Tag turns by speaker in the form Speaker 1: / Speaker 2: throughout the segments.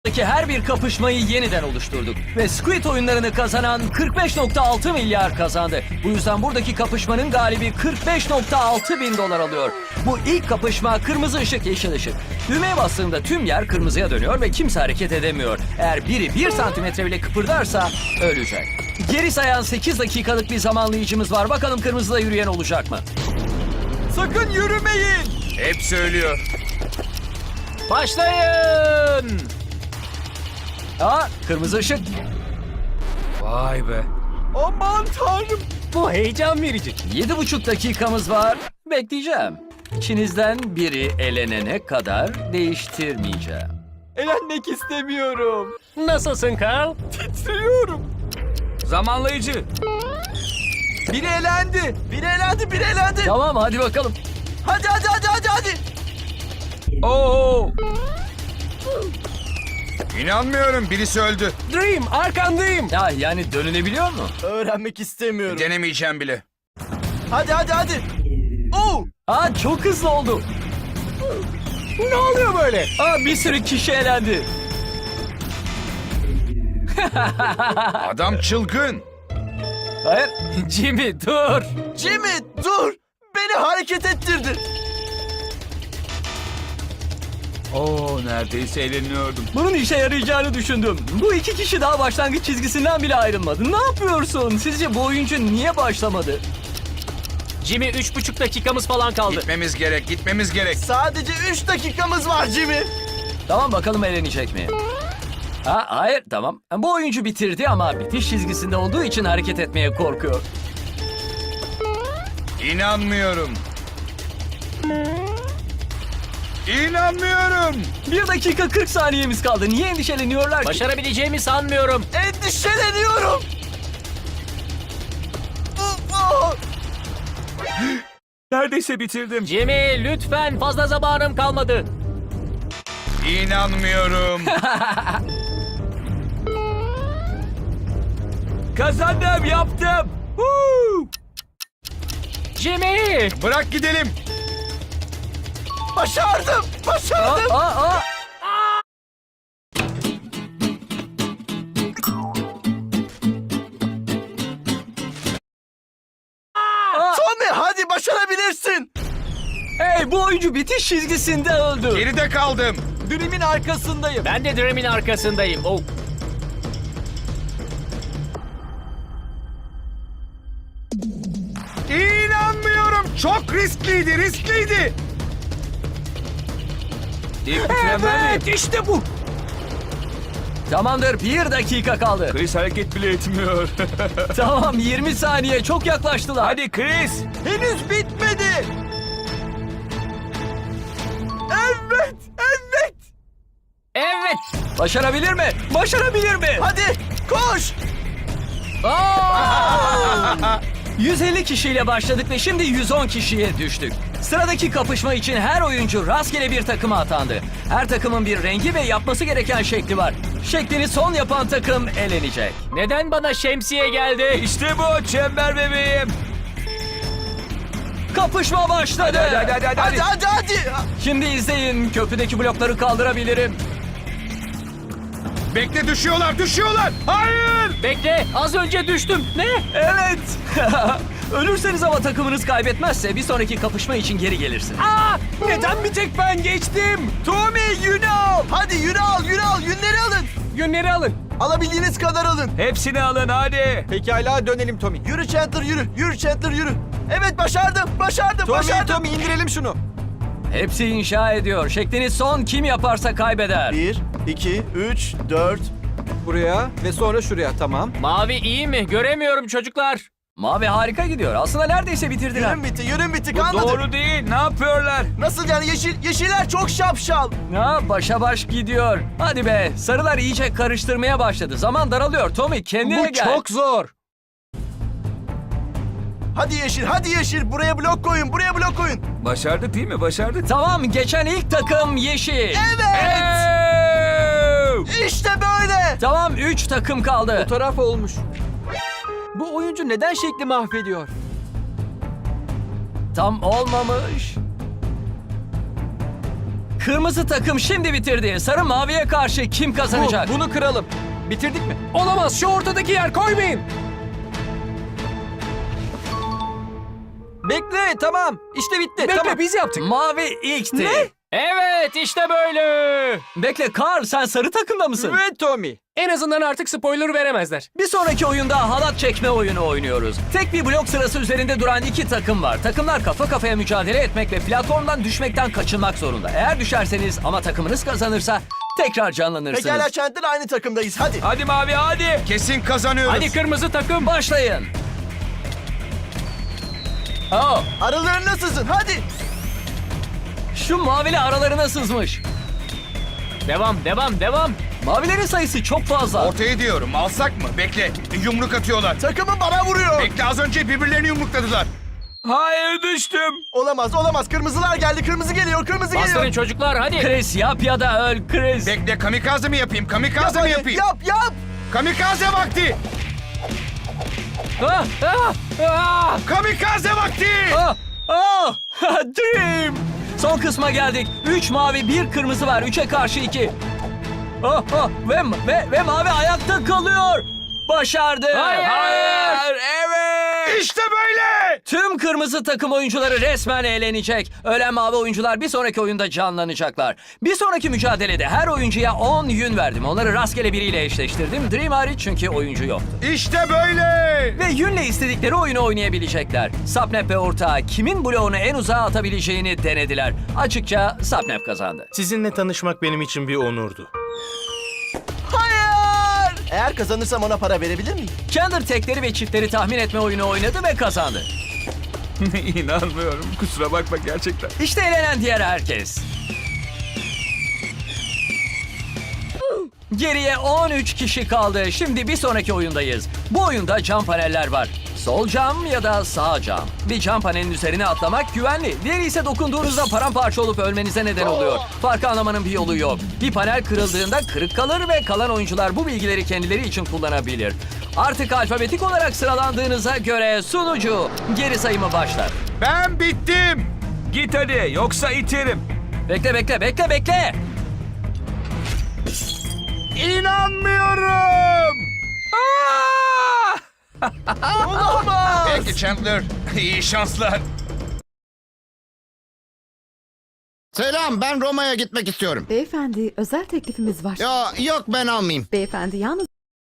Speaker 1: her bir kapışmayı yeniden oluşturduk. Ve Squid oyunlarını kazanan 45.6 milyar kazandı. Bu yüzden buradaki kapışmanın galibi 45.6 bin dolar alıyor. Bu ilk kapışma kırmızı ışık yeşil ışık. Düğmeye bastığımda tüm yer kırmızıya dönüyor ve kimse hareket edemiyor. Eğer biri 1 santimetre bile kıpırdarsa ölecek. Geri sayan 8 dakikalık bir zamanlayıcımız var. Bakalım kırmızıda yürüyen olacak mı?
Speaker 2: Sakın yürümeyin.
Speaker 3: Hep söylüyor.
Speaker 1: Başlayın! Aa, kırmızı ışık.
Speaker 3: Vay be.
Speaker 2: Aman tanrım.
Speaker 4: Bu heyecan verici.
Speaker 1: 7,5 dakikamız var. Bekleyeceğim. İçinizden biri elenene kadar değiştirmeyeceğim.
Speaker 2: Elenmek istemiyorum.
Speaker 4: Nasılsın Carl?
Speaker 2: Titriyorum.
Speaker 3: Zamanlayıcı.
Speaker 2: Biri elendi. Biri elendi. Biri elendi.
Speaker 1: Tamam, hadi bakalım.
Speaker 2: Hadi.
Speaker 3: Oo. İnanmıyorum, birisi öldü.
Speaker 4: Dream, arkandayım.
Speaker 1: Ya yani dönülebiliyor mu?
Speaker 2: Öğrenmek istemiyorum.
Speaker 3: Denemeyeceğim bile.
Speaker 2: Hadi. Oo.
Speaker 1: Aa, çok hızlı oldu.
Speaker 4: Ne oluyor böyle?
Speaker 1: Aa, bir sürü kişi elendi.
Speaker 3: Adam çılgın.
Speaker 1: Hayır, Jimmy dur.
Speaker 2: Jimmy dur. Beni hareket ettirdi.
Speaker 3: Oo, neredeyse eğleniyordum.
Speaker 1: Bunun işe yarayacağını düşündüm. Bu iki kişi daha başlangıç çizgisinden bile ayrılmadı. Ne yapıyorsun? Sizce bu oyuncu niye başlamadı?
Speaker 4: Jimmy 3,5 dakikamız falan kaldı.
Speaker 3: Gitmemiz gerek.
Speaker 2: Sadece 3 dakikamız var Jimmy.
Speaker 1: Tamam, bakalım eğlenecek mi? Ha, hayır, tamam. Bu oyuncu bitirdi ama bitiş çizgisinde olduğu için hareket etmeye korkuyor.
Speaker 3: İnanmıyorum. İnanmıyorum.
Speaker 1: 1 dakika 40 saniyemiz kaldı. Niye endişeleniyorlar ki?
Speaker 4: Başarabileceğimi sanmıyorum.
Speaker 2: Endişeleniyorum. Oh.
Speaker 3: Neredeyse bitirdim.
Speaker 4: Jimmy lütfen, fazla zamanım kalmadı.
Speaker 3: İnanmıyorum. Kazandım, yaptım. Woo!
Speaker 4: Jimmy!
Speaker 3: Bırak gidelim.
Speaker 2: Başardım.
Speaker 1: Aa.
Speaker 2: Tommy hadi başarabilirsin.
Speaker 1: Hey, bu oyuncu bitiş çizgisinde öldü.
Speaker 3: Geride kaldım.
Speaker 2: Dream'in arkasındayım.
Speaker 4: Ben de Dream'in arkasındayım. Oh.
Speaker 3: İnanmıyorum. Çok riskliydi.
Speaker 4: Evet, işte bu.
Speaker 1: Tamamdır, 1 dakika kaldı.
Speaker 3: Chris hareket bile etmiyor.
Speaker 1: Tamam, 20 saniye, çok yaklaştılar.
Speaker 3: Hadi Chris.
Speaker 2: Henüz bitmedi. Evet.
Speaker 4: Evet.
Speaker 1: Başarabilir mi? Başarabilir mi?
Speaker 2: Hadi koş.
Speaker 1: Aa! 150 kişiyle başladık ve şimdi 110 kişiye düştük. Sıradaki kapışma için her oyuncu rastgele bir takıma atandı. Her takımın bir rengi ve yapması gereken şekli var. Şeklini son yapan takım elenecek.
Speaker 4: Neden bana şemsiye geldi?
Speaker 3: İşte bu çember bebeğim.
Speaker 1: Kapışma başladı.
Speaker 2: Hadi.
Speaker 1: Şimdi izleyin. Köprüdeki blokları kaldırabilirim.
Speaker 3: Bekle, düşüyorlar. Hayır.
Speaker 4: Bekle, az önce düştüm. Ne?
Speaker 1: Evet. Ölürseniz ama takımınız kaybetmezse bir sonraki kapışma için geri gelirsiniz.
Speaker 4: Aa, neden bir tek ben geçtim?
Speaker 2: Tommy yünü al. Hadi yünü al. Yünleri alın.
Speaker 4: Yünleri alın.
Speaker 2: Alabildiğiniz kadar alın.
Speaker 3: Hepsini alın hadi.
Speaker 2: Pekala dönelim Tommy. Yürü Chandler yürü. Evet başardım. Tommy indirelim şunu.
Speaker 1: Hepsi inşa ediyor. Şeklini son kim yaparsa kaybeder.
Speaker 2: 1, 2, 3, 4. Buraya ve sonra şuraya tamam.
Speaker 4: Mavi iyi mi? Göremiyorum çocuklar.
Speaker 1: Mavi harika gidiyor. Aslında neredeyse bitirdiler.
Speaker 2: Yürüm bitti
Speaker 3: Bu
Speaker 2: kalmadı.
Speaker 3: doğru değil. Ne yapıyorlar?
Speaker 2: Nasıl yani yeşiller çok şapşal.
Speaker 1: Ha, başa baş gidiyor. Hadi be. Sarılar iyice karıştırmaya başladı. Zaman daralıyor. Tommy kendine
Speaker 4: Bu
Speaker 1: gel.
Speaker 4: çok zor.
Speaker 2: Hadi yeşil buraya blok koyun.
Speaker 3: Başardık değil mi? Başardık.
Speaker 1: Tamam, geçen ilk takım yeşil.
Speaker 2: Evet. İşte böyle.
Speaker 1: Tamam, 3 takım kaldı.
Speaker 2: Taraf olmuş. Bu oyuncu neden şekli mahvediyor?
Speaker 1: Tam olmamış. Kırmızı takım şimdi bitirdi. Sarı maviye karşı kim kazanacak?
Speaker 2: Bunu kıralım. Bitirdik mi?
Speaker 4: Olamaz, şu ortadaki yer koymayın.
Speaker 2: Bekle, tamam. İşte bitti.
Speaker 4: Bekle,
Speaker 2: tamam.
Speaker 4: biz yaptık.
Speaker 1: Mavi ilkti.
Speaker 2: Ne?
Speaker 4: Evet, işte böyle.
Speaker 1: Bekle Carl, sen sarı takımda mısın?
Speaker 2: Evet Tommy.
Speaker 4: En azından artık spoiler veremezler.
Speaker 1: Bir sonraki oyunda halat çekme oyunu oynuyoruz. Tek bir blok sırası üzerinde duran iki takım var. Takımlar kafa kafaya mücadele etmek ve platformdan düşmekten kaçınmak zorunda. Eğer düşerseniz ama takımınız kazanırsa tekrar canlanırsınız.
Speaker 2: Pekala Chandler, aynı takımdayız. Hadi.
Speaker 3: Hadi mavi hadi. Kesin kazanıyoruz.
Speaker 4: Hadi kırmızı takım.
Speaker 1: Başlayın. Oh,
Speaker 2: Aralarına sızın. Hadi.
Speaker 1: şu mavili aralarına sızmış.
Speaker 4: Devam.
Speaker 1: Mavilerin sayısı çok fazla.
Speaker 5: Ortaya diyorum, alsak mı? Bekle, yumruk atıyorlar.
Speaker 2: Takımım bana vuruyor.
Speaker 5: Bekle, az önce birbirlerini yumrukladılar.
Speaker 3: Hayır düştüm.
Speaker 2: Olamaz. Kırmızılar geldi. Kırmızı geliyor.
Speaker 4: Bastırın çocuklar, hadi.
Speaker 1: Chris yap ya da öl Chris.
Speaker 5: Bekle, kamikaze mi yapayım? Kamikaze mi
Speaker 2: Hadi,
Speaker 5: yapayım?
Speaker 2: Yap.
Speaker 5: Kamikaze vakti!
Speaker 1: Ah,
Speaker 5: Kamikaze vakti!
Speaker 1: Dream. Son kısma geldik. 3 mavi 1 kırmızı var. 3'e karşı 2. Ve mavi ayakta kalıyor. Başardı.
Speaker 3: Hayır evet.
Speaker 5: İşte böyle!
Speaker 1: Tüm kırmızı takım oyuncuları resmen eğlenecek. Ölen mavi oyuncular bir sonraki oyunda canlanacaklar. Bir sonraki mücadelede her oyuncuya 10 yün verdim. Onları rastgele biriyle eşleştirdim. Dream hariç çünkü oyuncu yoktu.
Speaker 5: İşte böyle!
Speaker 1: Ve yünle istedikleri oyunu oynayabilecekler. Sapnap ve ortağı kimin bloğunu en uzağa atabileceğini denediler. Açıkça Sapnap kazandı.
Speaker 6: Sizinle tanışmak benim için bir onurdu.
Speaker 2: Hayır. Eğer kazanırsam ona para verebilir miyim?
Speaker 1: Chandler tekleri ve çiftleri tahmin etme oyunu oynadı ve kazandı.
Speaker 3: İnanmıyorum. Kusura bakma gerçekten.
Speaker 1: İşte eğlenen diğer herkes. Geriye 13 kişi kaldı. Şimdi bir sonraki oyundayız. Bu oyunda cam paneller var. Sol cam ya da sağ cam. Bir cam panelin üzerine atlamak güvenli. Diğeri ise dokunduğunuzda paramparça olup ölmenize neden oluyor. Farkı anlamanın bir yolu yok. Bir panel kırıldığında kırık kalır ve kalan oyuncular bu bilgileri kendileri için kullanabilir. Artık alfabetik olarak sıralandığınıza göre sunucu geri sayımı başlar.
Speaker 5: Ben bittim!
Speaker 3: Git hadi yoksa iterim.
Speaker 1: Bekle.
Speaker 5: İnanmıyorum!
Speaker 2: Olamaz.
Speaker 5: Peki Chandler, iyi şanslar.
Speaker 7: Selam, ben Roma'ya gitmek istiyorum.
Speaker 8: Beyefendi, özel teklifimiz var.
Speaker 7: Yok ben almayayım.
Speaker 8: Beyefendi, yalnız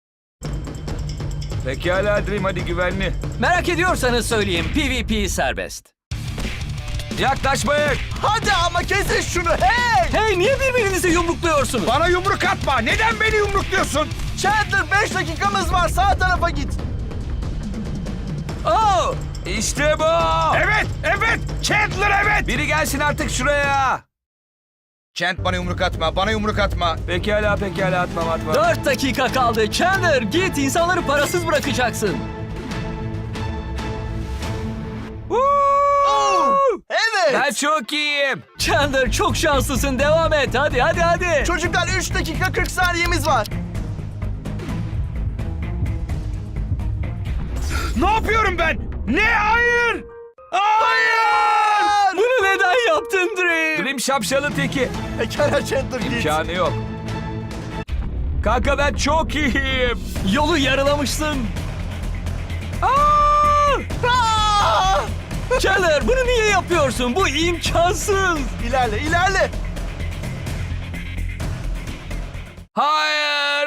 Speaker 3: Pekala Dream hadi güvenli.
Speaker 1: Merak ediyorsanız söyleyeyim, PvP serbest.
Speaker 3: Yaklaşmayın.
Speaker 2: Hadi ama kesin şunu. Hey.
Speaker 1: Hey, niye birbirinizi yumrukluyorsunuz?
Speaker 5: Bana yumruk atma! Neden beni yumrukluyorsun?
Speaker 2: Chandler 5 dakikamız var. Sağ tarafa git.
Speaker 1: Oh!
Speaker 3: İşte bu.
Speaker 5: Evet! Chandler evet!
Speaker 3: Biri gelsin artık şuraya.
Speaker 5: Chand bana yumruk atma.
Speaker 3: Pekala atmam.
Speaker 1: 4 dakika kaldı. Chandler git, insanları parasız bırakacaksın.
Speaker 2: Evet.
Speaker 3: Ben çok iyiyim.
Speaker 1: Chandler çok şanslısın, devam et. Hadi.
Speaker 2: Çocuklar 3 dakika 40 saniyemiz var.
Speaker 5: Ne yapıyorum ben? Ne? Hayır!
Speaker 1: Bunu neden yaptın Dream?
Speaker 3: Dream şapşalın teki.
Speaker 2: Pekala Chandler git.
Speaker 3: İmkanı yok. Kanka ben çok iyiyim.
Speaker 1: Yolu yarılamışsın. Chandler bunu niye yapıyorsun? Bu imkansız.
Speaker 2: İlerle.
Speaker 3: Hayır.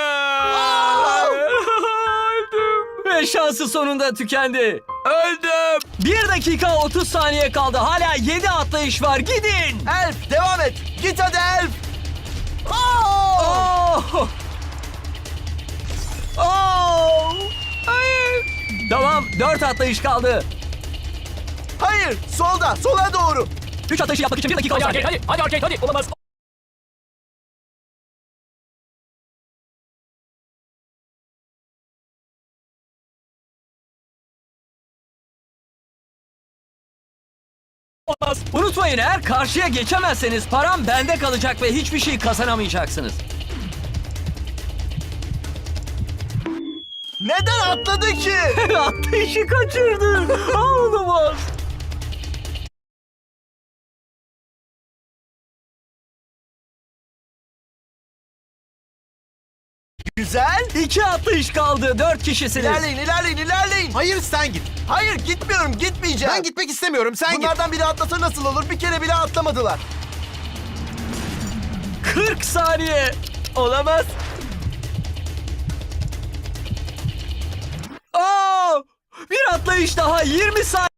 Speaker 3: Öldüm.
Speaker 1: Ve şansı sonunda tükendi.
Speaker 3: Öldüm.
Speaker 1: 1 dakika 30 saniye kaldı. Hala 7 atlayış var. Gidin.
Speaker 2: Elf devam et. Git hadi Elf. Oh!
Speaker 1: Hayır. Tamam, 4 atlayış kaldı.
Speaker 2: Hayır, sola doğru.
Speaker 1: 3 atlayışı yapmak için 1 dakika
Speaker 4: Hadi
Speaker 1: var.
Speaker 4: arcade, hadi. Olamaz.
Speaker 1: Unutmayın, eğer karşıya geçemezseniz param bende kalacak ve hiçbir şey kazanamayacaksınız.
Speaker 2: Neden atladı ki?
Speaker 1: Atlayışı kaçırdı. Olamaz.
Speaker 2: Güzel.
Speaker 1: 2 atlayış kaldı. 4 kişisiniz.
Speaker 2: İlerleyin, ilerleyin, ilerleyin.
Speaker 9: Hayır sen git.
Speaker 2: Hayır, gitmiyorum, gitmeyeceğim.
Speaker 9: Ben gitmek istemiyorum. Sen git.
Speaker 2: Bunlardan biri atlasa nasıl olur? Bir kere bile atlamadılar.
Speaker 1: 40 saniye.
Speaker 2: Olamaz.
Speaker 1: Aa! Bir atlayış daha 20 saniye.